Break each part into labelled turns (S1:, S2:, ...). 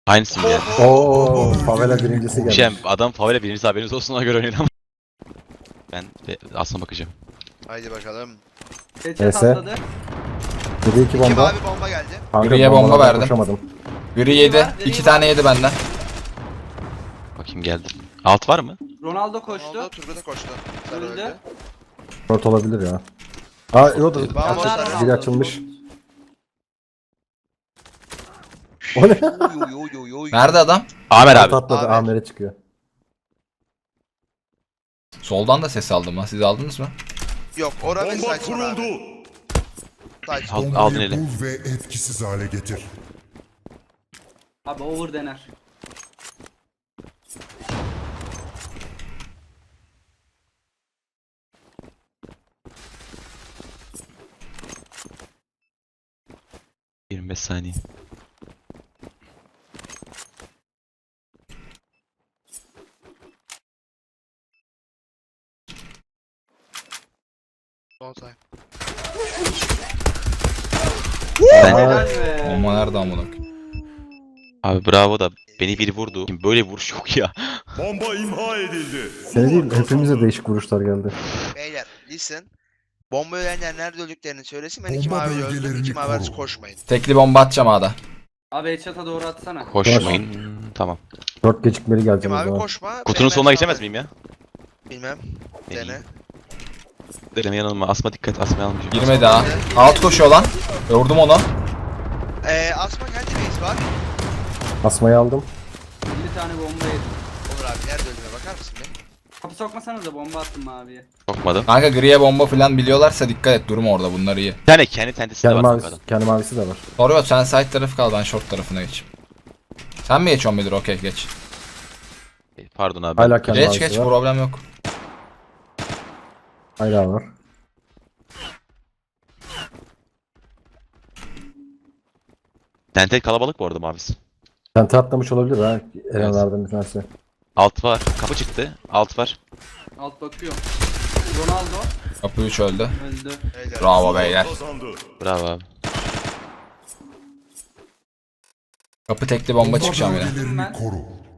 S1: Aynısı geldi.
S2: Oo, favela birincisi geldi.
S1: Şey, adam favela birincisi, haberiniz olsun, ona göre oynayın ama. Ben de aslına bakacağım.
S3: Haydi bakalım.
S4: Headshot
S2: Neyse.
S4: atladı.
S2: 7-2
S3: İki
S2: bomba.
S3: mavi bomba geldi.
S2: Kanka,
S5: Griye bomba
S2: bombalardan
S5: verdim.
S2: koşamadım.
S5: Biri yedi.
S4: var, biri
S5: 2
S4: var.
S5: tane yedi benden.
S1: Bakayım geldi. Alt var mı?
S4: Ronaldo koştu.
S3: Ronaldo Turgut'a koştu. Sarı
S4: Öldü.
S3: öldü.
S2: Short olabilir ya. Aa, yok da
S3: Bomba
S4: Yazar
S3: sarı.
S4: Ronaldo.
S2: biri açılmış. O ne?
S3: Oy oy oy oy.
S5: Nerede adam?
S1: Amer
S2: Short
S1: abi.
S2: atladı,
S3: Amer.
S2: Amer'e çıkıyor.
S5: Soldan da ses aldım ha. Siz aldınız mı?
S3: Yok, ora ve
S6: Bomba
S3: site var abi.
S6: kuruldu.
S3: Site.
S1: Aldın
S6: Bombayı
S1: eli.
S6: bul ve etkisiz hale getir.
S4: Abi over dener.
S1: Hı. 25 saniye.
S3: Son time.
S1: Ben,
S4: Helal be.
S5: Bomba nerede amına?
S1: abi bravo da beni biri vurdu. Böyle vuruş yok ya.
S6: Bomba imha edildi.
S2: Seni değil, hepimize değişik vuruşlar geldi.
S3: Beyler, listen. Bomba ölenler nerede öldüklerini söylesin. Ben iki
S6: Bomba
S3: mavi öldüm.
S6: bölgelerini
S3: İki mavi arası
S6: koru.
S3: koşmayın.
S5: Tekli bomba atacağım A'da.
S4: Abi headshot'a doğru atsana.
S1: Koşmayın. Tamam.
S2: Short gecikmeli
S3: İki
S2: gelecek o
S3: mavi
S2: zaman.
S3: koşma.
S1: Kutunun
S3: ben
S1: sonuna
S3: sağ-
S1: geçemez miyim ya?
S3: Bilmem. Dene.
S1: Deneyeyim. Deneme yanılma. Asma dikkat. Asma yanılmayacak.
S5: Girmedi ha. Alt koşuyor lan. Vurdum onu.
S3: Asma kendi base var.
S2: Asmayı aldım.
S4: 50 tane bomba yedim.
S3: Olur abi, nerede öldüğüne bakar mısın be?
S4: Kapı sokmasanız da bomba attım maviye.
S1: Sokmadım.
S5: Kanka griye bomba falan biliyorlarsa dikkat et. Durma orada, bunlar iyi.
S1: Bir tane kendi tentesi de
S2: Kendi
S1: var
S2: mavisi,
S1: adam.
S2: kendi mavisi de var.
S5: Soruyor, sen side tarafı kal, ben short tarafına geçeyim. Sen mi geçiyorsun Bedir? Okey, geç.
S1: Pardon abi.
S2: Hala kendi
S5: Geç
S2: mavisi
S5: geç,
S2: var.
S5: problem yok.
S2: Hala var.
S1: Tente kalabalık bu arada mavisi.
S2: Tente atlamış olabilir ha. Erenlerden bir tanesi.
S1: Alt var. Kapı çıktı. Alt var.
S4: Alt bakıyor. Ronaldo
S5: Kapı 3 öldü.
S4: öldü.
S3: Beyler.
S5: Bravo beyler.
S6: Kazandı.
S1: Bravo abi.
S5: Kapı tekli bomba çıkacağım yine.
S6: bölgelerini
S4: Ben-
S6: koru.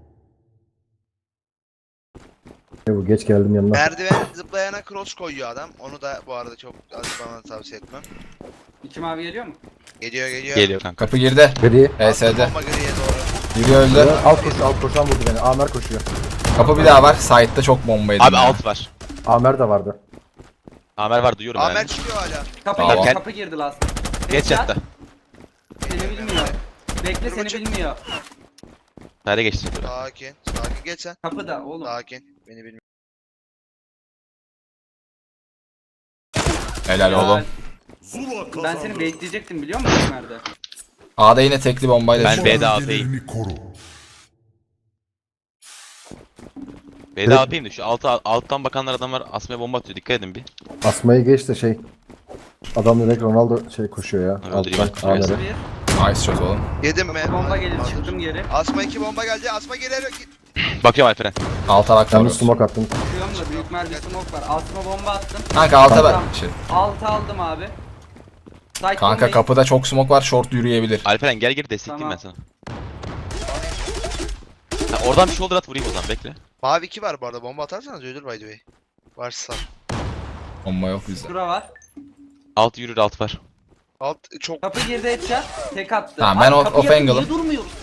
S2: Bu geç geldim yanına.
S3: Merdiven zıplayana cross koyuyor adam. Onu da bu arada çok bana tavsiye etmem.
S4: İki mavi geliyor mu?
S3: Geliyor geliyor.
S1: Geliyor kanka.
S5: Kapı girdi.
S2: Gri.
S5: HS'de.
S3: Bomba griye doğru.
S5: Biri öldü.
S2: Alt koşan vurdu beni. Amer koşuyor.
S5: Kapı bir daha var. Side'da çok bomba yedim.
S1: Abi
S5: ya.
S1: alt var.
S2: Amer de vardı.
S1: Amer var, duyuyorum
S3: Amer
S1: yani.
S3: çıkıyor hala.
S4: Kapı
S5: Tamam.
S4: girdi, kapı girdi last.
S1: Geç yatta.
S4: Seni bilmiyor. Bekle
S3: Dur
S4: seni
S3: bakayım.
S4: bilmiyor.
S1: Nerede geçti?
S3: Sakin. Sakin geç sen.
S4: Kapıda oğlum.
S3: Sakin. Beni bilmiyor.
S5: Helal oğlum.
S6: Zula kazandı.
S4: Ben seni bekleyecektim biliyor musun nerede?
S5: A'da yine tekli bombayla
S1: Ben
S5: çıktı.
S1: B'de
S6: Bölgelerini koru.
S1: B'de AP'yim de şu alttan bakanlar adamlar asmaya bomba atıyor. Dikkat edin bir.
S2: Asmayı geç de şey. Adam direkt Ronaldo koşuyor ya.
S1: Öldüreyim,
S2: Alttan
S1: öldüreyim.
S2: Amer'e.
S4: Bir
S5: Nice shot oğlum.
S3: Yedim mi?
S4: bomba gelir çıktım geri.
S3: Asma 2 bomba geldi. Asma gelir.
S1: Bakıyorum Alperen.
S5: Alta bak
S2: Ben de
S5: vuruyoruz.
S2: smoke attım.
S4: Çıkıyorum da büyük mermi smoke var. Altıma bomba attım.
S5: Kanka alta
S4: Tamam.
S5: ben. Şey.
S4: Altı aldım abi. Side
S5: Kanka
S4: bombayı-
S5: kapıda çok smoke var, short yürüyebilir.
S1: Alperen gel geri destekleyeyim ben
S4: Tamam.
S1: sana. Ha, oradan bir shoulder at, vurayım o zaman, bekle.
S3: Mavi 2 var bu arada. Bomba atarsanız ölür by the way. Varsa.
S5: Bomba yok bizde.
S4: Şura var.
S1: Alt yürür, alt var.
S3: Alt çok.
S4: Kapı girdi headshot. Tek attı.
S5: Tamam, ben
S4: Abi
S5: off
S4: kapıyı yapın,
S5: angle'ım.
S4: niye durmuyoruz?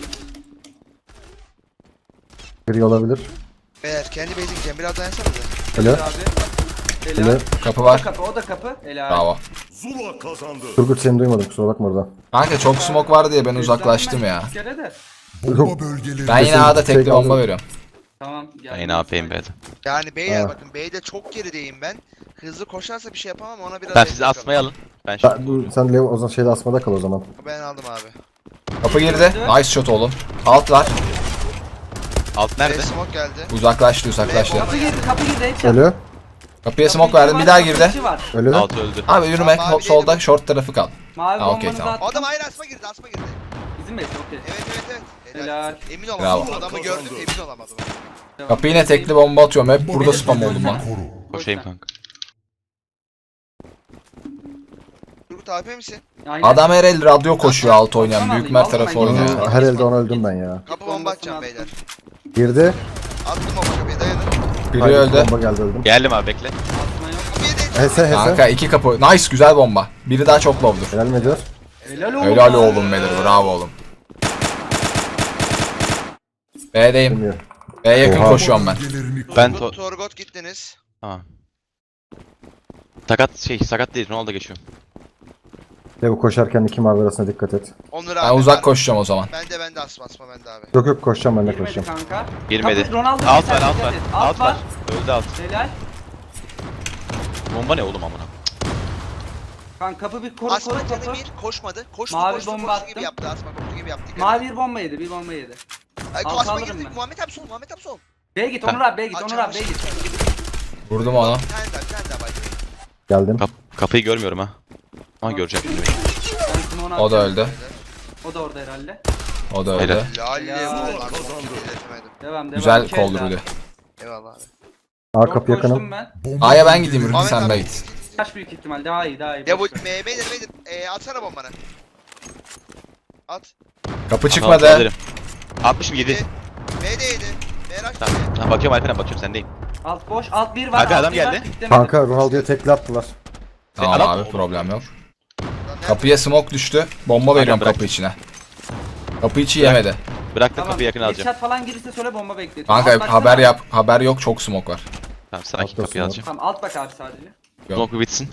S2: Gri olabilir.
S3: Beyler kendi base'in biraz dayansanıza.
S2: Öyle.
S4: Abi.
S2: Öyle.
S4: Helal.
S5: Kapı
S4: O da
S5: var.
S4: kapı, o da kapı. Helal.
S5: Bravo.
S6: Zula kazandı.
S2: Turgut seni duymadım, kusura bakma orada.
S5: Kanka çok smoke var diye ben uzaklaştım
S4: Seslendim
S5: ya.
S4: ben iki kere de.
S6: Bomba bölgeleri.
S5: Ben yine
S2: Kesin
S5: A'da tekli
S2: tek
S5: bomba
S2: aldım.
S5: veriyorum.
S4: Tamam.
S1: Ben
S4: geldim.
S1: yine AP'yim B'de.
S3: Yani beyler
S2: Ha.
S3: bakın B'de çok gerideyim ben. Hızlı koşarsa bir şey yapamam, ona biraz
S1: Tamam,
S3: destek
S1: siz asmayı alın. Ben
S2: Sen,
S1: şu
S2: sen Leo o zaman şeyde asmada kal o zaman.
S3: Ben aldım abi.
S5: Kapı girdi. Nice shot oğlum. Alt var.
S1: alt
S3: B
S1: nerede?
S3: smoke geldi.
S5: Uzaklaştı uzaklaştı.
S4: Kapı girdi, kapı girdi headshot.
S2: Ölü.
S5: Kapıya smoke verdim, bir daha girdi.
S4: Kapı var.
S2: Ölü.
S1: Alt öldü.
S5: Abi yürüme,
S3: Tamam, mavi
S5: solda
S3: değilim.
S5: short tarafı kal.
S4: Mavi
S5: Ha, okey,
S4: bombanızı
S5: tamam.
S4: attım.
S3: Adam hayır asma girdi, asma girdi.
S4: Bizim base okey.
S3: Evet evet evet.
S4: Helal.
S3: Emin
S5: Bravo.
S3: olamadım. Adamı gördüm, emin olamadım.
S4: Devam.
S5: Kapı yine tekli bomba atıyorum, hep burada spam oldum lan.
S6: Koru.
S1: Koşayım kanka.
S3: Turgut AP misin?
S4: Aynen.
S5: Adam her el radyo koşuyor alt oynayan.
S4: Tamam,
S5: Büyük mer
S4: vallahi
S5: tarafı
S4: ben
S5: oynuyor.
S4: görüyorum.
S2: Her elde ona öldüm ben ya.
S3: Kapı bomba
S4: Orasını
S3: atacağım
S4: attım.
S3: beyler.
S2: Girdi.
S3: Attım bomba kapıya dayanın.
S5: Biri
S2: Haydi,
S5: öldü.
S2: Bomba geldi öldüm.
S1: Geldim abi bekle.
S4: Atma yok.
S3: Kapıya değil.
S2: Hese.
S5: Kanka 2 kapı. Nice güzel bomba. Biri daha çok low'dur.
S2: Helal Medir.
S4: Helal oğlum.
S5: Helal oğlum Medir. Bravo oğlum. B'deyim.
S2: Bilmiyorum.
S5: B'ye yakın
S2: Oha.
S5: koşuyorum ben.
S6: Bölgelerini
S1: Ben
S6: koru.
S3: Torgot gittiniz.
S1: Tamam. Sakat değil. Ronaldo geçiyorum.
S2: Ve bu koşarken iki mavi arasına dikkat et.
S3: Onur
S5: Ben
S3: abi.
S5: uzak koşacağım o zaman.
S3: Ben de asma bende abi.
S2: Yok yok koşacağım ben de
S4: Girmedi
S2: koşacağım.
S4: kanka.
S1: Girmedi.
S4: Kapı Ronaldo
S1: Alt
S4: geçer,
S1: var alt
S4: dikkat
S1: var.
S4: et.
S1: Alt var. Öldü alt.
S4: Helal.
S1: Bomba ne oğlum amına?
S4: Kanka kapı bir koru
S3: Asma
S4: koru
S3: canı
S4: kapı.
S3: bir koşmadı. Koştu
S4: Mavi
S3: koştu
S4: bomba
S3: koştu
S4: attım.
S3: gibi yaptı. Asma koştu gibi yaptı.
S4: Mavi bir bomba yedi, bir bomba yedi. Altı
S3: Asma
S4: alırım
S3: girdi.
S4: ben.
S3: Muhammed abi sol. Muhammed abi sol.
S4: B'ye git Onur abi, B'ye git Onur abi, B'ye git.
S5: Vurdum onu.
S3: Bir tane daha bay.
S2: Geldim.
S1: Kapıyı görmüyorum ha. Ama göreceğim şimdi.
S4: Ben şimdi onu
S5: O da
S4: atacağım.
S5: öldü.
S4: O da orada herhalde.
S5: O da öldü.
S1: Helal.
S3: Lalle
S4: Ya.
S3: vallahi
S6: Kazandı.
S3: izletemedim.
S4: Devam.
S5: Güzel
S4: İki
S5: koldu
S4: elde.
S5: bir de.
S3: Eyvallah abi.
S2: A
S4: Çok
S2: kapı yakınım.
S4: koştum ben.
S6: Bomba
S5: A'ya ben gideyim Ürkü
S3: Ahmet
S5: sen
S3: abi.
S5: de git.
S4: Kaç büyük ihtimal daha iyi daha iyi.
S3: Ya bu
S4: boş ver.
S3: beyler atsana bombanı. At.
S5: Kapı
S1: Tamam,
S5: çıkmadı.
S1: alırım. 67.
S3: B de yedi. Merak etme.
S1: Tamam. Tamam bakıyorum Alperen bakıyorum sendeyim.
S4: Alt boş, alt bir var.
S1: Abi
S4: alt
S1: adam
S4: bir var,
S1: geldi.
S4: piklemedim.
S2: Kanka Ronaldo'ya tekli attılar.
S5: Tamam
S1: Adam-
S5: abi problem yok.
S3: Lan nerede?
S5: Kapıya smoke düştü. Bomba veriyorum
S1: bırak.
S5: kapı içine. Kapı içi yemedi.
S1: Bırak da
S4: Tamam.
S1: kapıyı yakın alacağım.
S4: Headshot falan gelirse söyle bomba bekletin.
S5: Kanka
S4: Alt baksana.
S5: haber yap. Haber yok çok smoke var.
S1: Tamam sakin
S2: Hafta
S1: kapıyı
S2: sonu.
S1: alacağım.
S4: Tamam alt bak abi sadece.
S5: Yok.
S1: Smoke bir bitsin.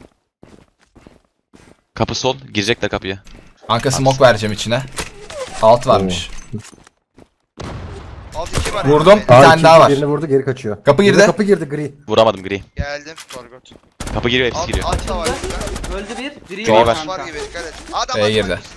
S1: Kapı sol. Girecekler kapıya.
S5: Kanka smoke vereceğim içine. Alt varmış.
S3: Alt 2 var.
S5: Vurdum. Bir
S3: Beyler.
S5: tane daha var.
S2: Birini vurdu geri kaçıyor.
S5: Kapı
S2: Bir de
S5: girdi.
S2: Kapı girdi gri.
S1: Vuramadım gri.
S3: Geldim. Torgot.
S1: Kapı giriyor hepsi
S3: Alt,
S1: giriyor.
S3: alt da var.
S4: Öldü bir. Biri
S1: Çok
S4: yok
S1: var.
S4: kanka.
S3: Var gibi dikkat et. Adam
S5: B'ye girdi.
S3: Ya,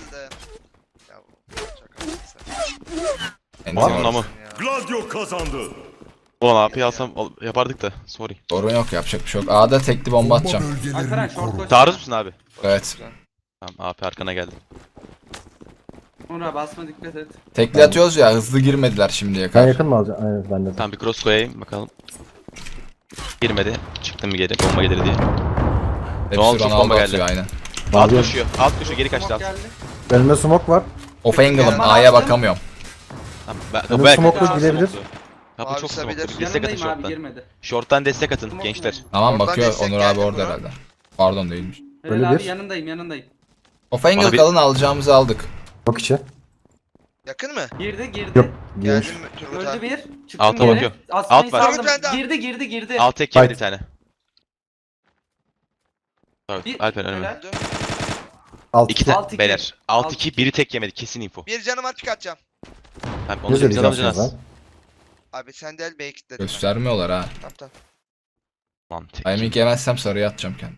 S5: Enti
S1: Onun
S5: var.
S1: namı.
S6: Gladio kazandı.
S1: Ulan AP'yi alsam yapardık da. Sorry.
S5: Sorun yok yapacak bir şey yok. A'da tekli bomba atacağım.
S4: Alperen
S6: Bölgelerini
S4: short
S6: koru.
S4: koş.
S1: Taarruz musun abi?
S5: Evet.
S1: Tamam AP arkana geldim.
S4: Onur abi basma dikkat et.
S5: Tekli atıyoruz ya hızlı girmediler şimdiye
S2: Sen
S5: kadar.
S2: yakın mı alacaksın? Aynen ben de.
S1: Tamam bir cross koyayım bakalım. Girmedi. Çıktım bir geri. Bomba gelir diye.
S5: Hepsi
S1: Ronaldo çok
S5: Ronaldo
S1: bomba geldi.
S5: atıyor aynen.
S1: Alt
S2: Mavi.
S1: koşuyor. Alt koşuyor. Geri kaçtı
S4: Smoke
S1: alt.
S4: geldi.
S2: Önüme smoke var.
S5: Off angle'ım
S4: Ben
S5: A'ya
S4: attım.
S5: bakamıyorum.
S1: Tamam.
S2: Önüm
S1: Belki
S2: smoke'lu
S1: çok
S2: gidebilir.
S1: smoke'lu. Kapı
S3: Abi
S1: çok
S3: sababilir.
S1: smoke'lu. Destek atın
S4: Yanındayım abi
S1: short'tan.
S4: girmedi.
S1: Short'tan destek atın
S4: Smoke
S1: gençler.
S4: geldi.
S5: Tamam
S3: Oradan
S5: bakıyor
S3: destek
S5: Onur
S3: geldi
S5: abi orada
S3: buna.
S5: herhalde. Pardon değilmiş.
S2: Öyle
S4: Helal abi
S2: bir.
S4: yanındayım.
S5: Off angle
S1: Bana bir-
S5: kalın alacağımızı aldık.
S2: Çok içi.
S3: Yakın mı?
S4: Girdi.
S2: Yok. Girmiş.
S3: Geldim Turgut abi.
S4: Öldü bir. Çıktım
S1: Alta
S4: geri.
S1: bakıyor.
S4: Asmayı
S1: Alt var.
S4: saldım.
S3: Turgut bende.
S4: Girdi.
S1: Alt tek yedi
S2: Fight.
S1: bir tane. Evet,
S4: Bir-
S1: Alper önüme.
S4: helal.
S3: Öldü.
S2: Alt
S1: İki
S2: iki.
S1: tane
S4: Alt iki.
S1: beyler. Alt
S4: Alt
S1: 2 biri tek yemedi kesin info.
S3: Bir canım var çıkartacağım.
S1: Tamam onu
S2: Ne
S1: da biz
S2: söyleyeceksiniz
S1: alamayacağız.
S2: lan?
S3: Abi sen de el B'ye kilitledim ben.
S5: Göstermiyorlar ha.
S3: Tamam.
S1: Lan tek.
S5: Timing yemezsem sarıya atacağım kendim.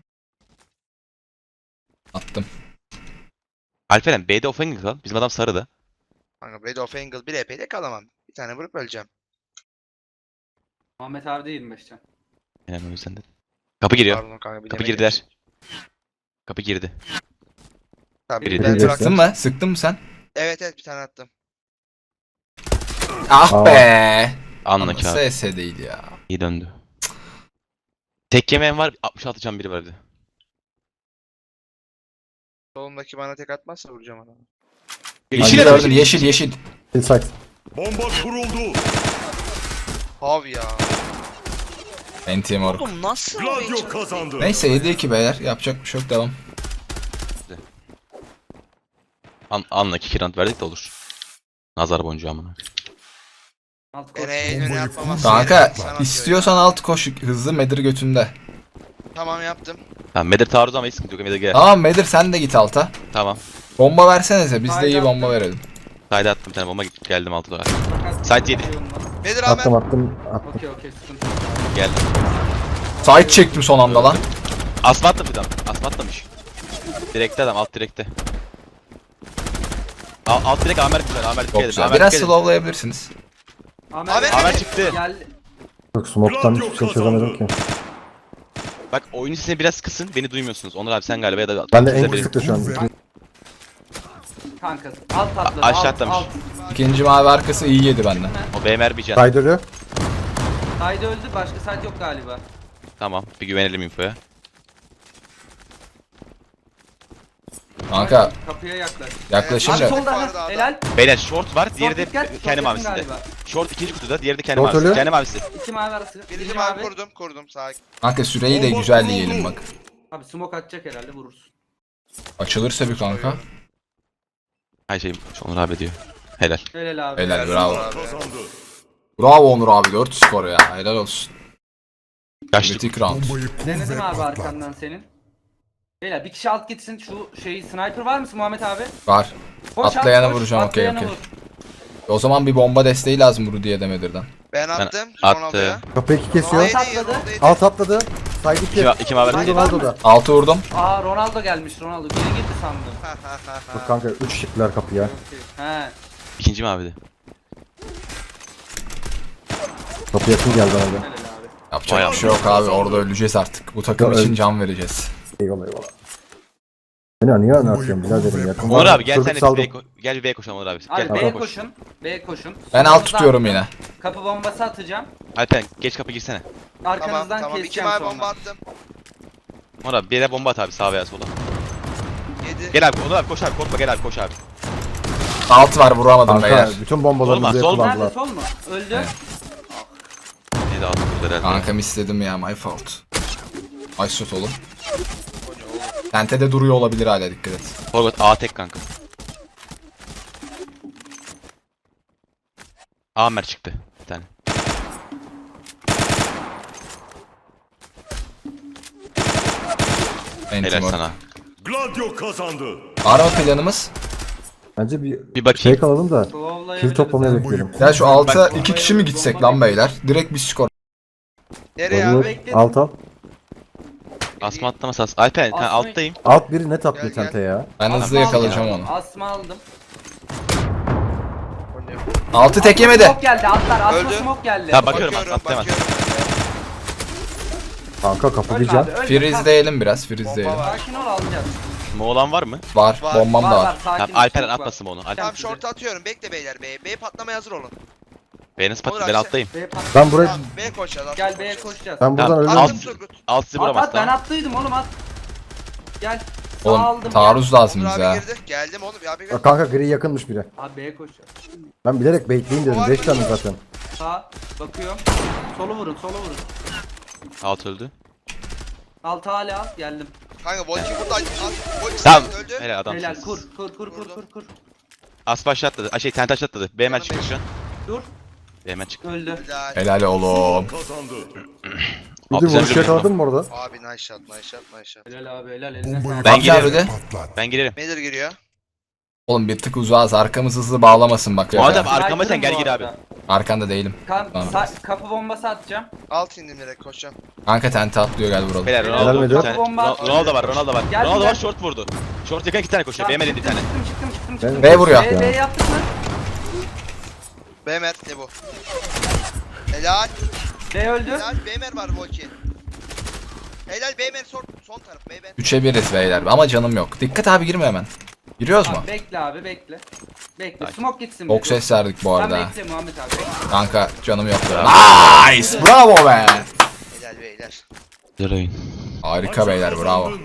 S5: Attım.
S1: Alperen B'de offensive kal. Bizim adam sarıda.
S3: Kanka Red of Angle bir EP'de kalamam. Bir tane vurup öleceğim.
S4: Muhammed abi de 25 can.
S1: Yani o yüzden de. Kapı giriyor.
S3: Pardon kanka bir
S1: Kapı
S3: demedim.
S1: girdiler. Kapı girdi.
S3: Tamam,
S1: Biri
S3: ben
S1: de-
S3: bıraktım.
S5: Sıktın mı? Sıktın mı sen?
S3: Evet bir tane attım.
S5: Ah
S2: Aa.
S5: be.
S1: Anla
S5: Ama
S1: ki abi.
S5: SS değil ya.
S1: İyi döndü. Tek yemeğim var. 66 can biri vardı.
S3: Solumdaki bana tek atmazsa vuracağım adamı.
S5: Yeşil
S2: Hangi
S5: gördün yeşil yeşil.
S2: Inside.
S6: Bomba kuruldu.
S3: Abi ya.
S5: Enti moruk.
S3: Oğlum nasıl
S6: Gladio kazandı.
S5: Neyse 7-2 beyler yapacak bir şey yok devam.
S1: Anla ki kirant verdik de olur. Nazar boncuğu amına.
S4: Alt koş.
S3: Öne
S6: Bombayı
S3: atmaması
S5: Kanka
S3: gerekiyor, sana
S5: istiyorsan alt koş hızlı Medir götünde.
S3: atıyor. Tamam yaptım.
S1: Tamam Medir taarruz ama hiç sıkıntı yok. Medir gel.
S5: Tamam Medir sen de git alta.
S1: Tamam.
S5: Bomba versenize biz de
S4: Haydi
S5: iyi
S4: attım.
S5: bomba verelim.
S1: Sayda attım bir tane bomba geldim altı dolar.
S4: Fakat
S1: Site yedi.
S4: şey olmaz.
S3: Bedir
S2: Attım
S3: abi.
S2: attım.
S4: Okey sıkıntı yok.
S1: Geldim.
S5: Side çektim son anda lan.
S1: Asma attım bir adam. Asma atlamış. Direkte adam alt direkte. Alt direkt Amer güzel. Amer
S5: Çok
S1: dikkat edin.
S5: güzel.
S1: Amer
S5: Biraz
S1: dikkat edin.
S5: slowlayabilirsiniz.
S3: Ahmet
S1: Amer çıktı.
S4: Geldi.
S2: Yok smoke'tan hiçbir şey çözemedim ki.
S1: Bak oyunu size biraz kısın. Beni duymuyorsunuz. Onur abi sen galiba ya da
S2: Ben de
S1: siz
S2: en
S1: beni-
S2: kısıkta şu an.
S4: Kanka alt atladı.
S1: Aşağı
S4: alt,
S1: atlamış.
S4: alt.
S5: İkinci mavi arkası iyi yedi benden.
S1: O BMR bir can.
S2: Side ölü.
S4: Side öldü başka side yok galiba.
S1: Tamam. Bir güvenelim infoya.
S5: Kanka
S4: Kapıya yaklaş.
S5: yaklaşayım
S4: Abi
S5: da.
S4: solda
S3: Yukarıda
S4: ha,
S3: adam.
S4: helal.
S1: Beyler short var. Diğeri de
S4: Short dikkat, short
S1: kendi
S4: yakın
S1: mavisinde.
S4: galiba.
S1: Short ikinci kutuda. Diğeri de kendi
S2: Short
S1: mavisi.
S2: ölü.
S1: Kendi mavisi.
S4: İki mavi arası.
S3: Birinci
S4: Birinci
S3: mavi
S4: mavi.
S3: kurdum sakin.
S5: Kanka süreyi de güzel yiyelim bak.
S4: Abi smoke atacak herhalde vurursun.
S5: Açılırsa bir kanka.
S1: Her şey Onur abi diyor. Helal.
S4: Helal abi.
S5: Helal bravo.
S6: Kazandı.
S5: Bravo Onur abi 4 skor ya. Helal olsun.
S1: Kaçtık.
S5: Kritik round.
S4: Denedim abi arkandan senin. Beyler bir kişi alt gitsin şu şeyi sniper var mısın Muhammed abi?
S5: Var.
S4: Koş
S5: Atlayana
S4: abi, koş,
S5: vuracağım, okey,
S4: atlayana
S5: okey.
S4: vur.
S5: O zaman bir bomba desteği lazım Rudy'ye Demedir'den.
S3: Ben attım.
S1: attım.
S3: Ronaldo'ya.
S2: Kapı 2 kesiyor.
S4: Alt atladı.
S2: Alt atladı. Side 2.
S1: İki mavi.
S4: Haydi.
S2: Ronaldo'da.
S5: 6 vurdum.
S4: Aa Ronaldo gelmiş Ronaldo. Geri girdi sandım.
S2: Bak kanka 3 çıktılar kapıya.
S4: Okey. He.
S1: İkinci mavide.
S2: Kapı yakın geldi bana da.
S4: Helal abi.
S5: Yapacak
S1: Vay
S5: bir şey yok abi orada öleceğiz artık. Bu takım
S2: Ya,
S5: için
S2: öl-
S5: can vereceğiz.
S2: Eyvallah eyvallah. Beni niye anlatıyorsun biraderim yakın.
S1: Onur
S2: var.
S1: abi gel
S2: Çocuk
S1: sen de
S2: saldım.
S1: gel bir B koşalım Onur abi.
S4: Abi
S1: Gel
S4: B'ye
S1: koş.
S4: koşun. B'ye koşun.
S5: Ben alt
S4: Solunuzdan
S5: tutuyorum yine.
S4: Kapı bombası atacağım.
S1: Alperen geç kapı girsene.
S3: Tamam
S4: Arkanızdan
S3: tamam. İki
S4: keseceğim
S3: mavi
S4: sonra.
S3: bomba attım.
S1: Onur abi bir yere bomba at abi sağa veya sola.
S3: 7.
S1: Gel abi Onur abi koş abi korkma gel abi koş abi.
S5: Alt var vuramadım
S2: Kanka
S5: beyler.
S2: bütün bombalarımızı
S1: Olmaz, olmaz.
S2: kullandılar.
S4: Nerede sol mu? Öldü.
S5: Evet.
S1: Ne de altı burada herhalde.
S5: Kankam istedim ya my fault. Ay shot oğlum. Tente de duruyor olabilir hala dikkat et.
S1: Forvet A tek kanka. Amer çıktı bir tane. Helal
S5: Entimor.
S1: sana.
S6: Gladio kazandı.
S5: Var mı planımız?
S2: Bence bir
S1: Bir bakayım.
S2: şey kalalım da
S4: Slowlayabiliriz
S2: kill toplamaya
S4: abi.
S2: bekleyelim.
S5: Ya şu alta 2 kişi mi gitsek lan beyler? Direkt bir skor.
S3: Nereye
S2: Olur.
S3: abi?
S4: bekledim.
S2: Alt al.
S1: Asma atlaması az. Alperen ben
S4: Asma-
S1: alttayım.
S2: Alt biri net atlıyor
S3: Gel, gel.
S2: tente ya.
S5: Ben
S4: Asma
S5: hızlı yakalayacağım
S4: aldım.
S5: onu.
S4: Asma aldım.
S5: Altı tek yemedi.
S4: Smoke geldi atlar. Asma
S3: Öldü.
S4: smoke geldi.
S1: Ya bakıyorum
S3: Bakıyorum
S1: atlayamaz.
S2: Kanka kapı
S4: Ölme
S2: diyeceğim.
S4: abi, ölme.
S5: Freeze'leyelim biraz freeze'leyelim.
S3: Bomba var.
S4: Sakin ol alacağız.
S1: Moğolan var mı?
S5: Var.
S3: Var.
S5: Bombam da var.
S4: Sakin
S1: Tamam
S4: ol,
S1: Alperen
S4: smoke var.
S1: atmasın onu. Alperen.
S3: Tamam short atıyorum. Bekle beyler. B patlamaya hazır olun.
S1: Beni nasıl
S3: Olur
S1: patladı ben
S3: abi,
S1: alttayım.
S4: B pat-
S2: Ben buraya
S3: Tamam B koşacağız.
S4: Gel B'ye koşacağız.
S2: ben buradan
S1: Tamam,
S2: ölürüm.
S1: alt-
S3: Attım Turgut.
S1: Alt sizi
S4: At
S1: vuramaz
S4: at ben
S1: tamam.
S4: attıydım oğlum at. Gel. Sağ
S5: Oğlum
S4: aldım,
S5: taarruz lazım
S3: Onur
S5: bize
S3: abi
S5: ha.
S3: girdi. Geldim oğlum. Ya bir
S2: Bak kanka gri yakınmış biri.
S4: Gel. Abi B'ye koşacağız.
S2: Ben bilerek bekleyeyim dedim. 5 tane zaten.
S4: Sağ bakıyorum. Solu vurun solu vurun.
S1: Alt öldü.
S4: Altı hala geldim.
S3: Kanka Volki burada. Volki
S1: Tamam.
S3: öldü.
S1: Helal adam.
S4: Helal kur kur kur kur kur kur.
S1: As başla atladı. Ay şey tent aşağı atladı. B hemen
S3: Canım
S1: çıktı şu an.
S4: Dur.
S1: B hemen çıktı.
S4: Öldü.
S3: Helal.
S5: Helal oğlum.
S6: Kazandı.
S2: Bir
S1: Abi
S2: de
S1: sen
S2: vuruş
S1: biliyorsun.
S2: yakaladın mı orada?
S3: Abi nice shot nice shot nice shot.
S4: Helal abi helal eline sağlık.
S1: Ben
S5: Bak ya
S1: girerim.
S5: Rudy.
S1: Ben girerim.
S3: Nedir giriyor?
S5: Oğlum bir tık uzağız arkamız hızlı bağlamasın bak.
S1: Muhammed
S5: Ya.
S1: abi arkama sen gel
S4: Sniper'ım
S1: gir
S4: bu
S1: abi.
S4: arada.
S5: Arkanda değilim. Tamam.
S4: Kapı bombası atacağım.
S3: Alt indim direkt koşacağım.
S5: Kanka tente atlıyor gel vuralım.
S1: Beyler
S4: Helal
S1: Ronaldo
S2: müdür.
S1: bir tane.
S4: Bomba.
S1: Ronaldo var Ronaldo var.
S4: Geldim
S1: Ronaldo var
S4: ben.
S1: short vurdu. Short yakın 2 tane koşuyor.
S4: Tamam,
S1: Beğenmedi bir tane.
S4: çıktım.
S2: Ben-
S5: B vuruyor.
S4: B yaptık mı?
S3: Bemer ne bu? Helal.
S4: B öldü.
S3: Helal Bemer var Volki. Helal Bemer son taraf Bemer.
S5: 3'e 1'iz beyler ama canım yok. Dikkat abi girme hemen. Giriyoruz mu?
S4: Abi bekle abi bekle. Bekle.
S1: Sakin.
S4: Smoke gitsin.
S5: Çok ses verdik bu
S4: Sen
S5: arada. ha.
S4: bekle Muhammed abi. Bekle.
S5: Kanka canım yok.
S1: Bravo.
S5: Nice! Bravo be!
S3: Helal beyler.
S1: Güzel oyun.
S5: Harika beyler bravo.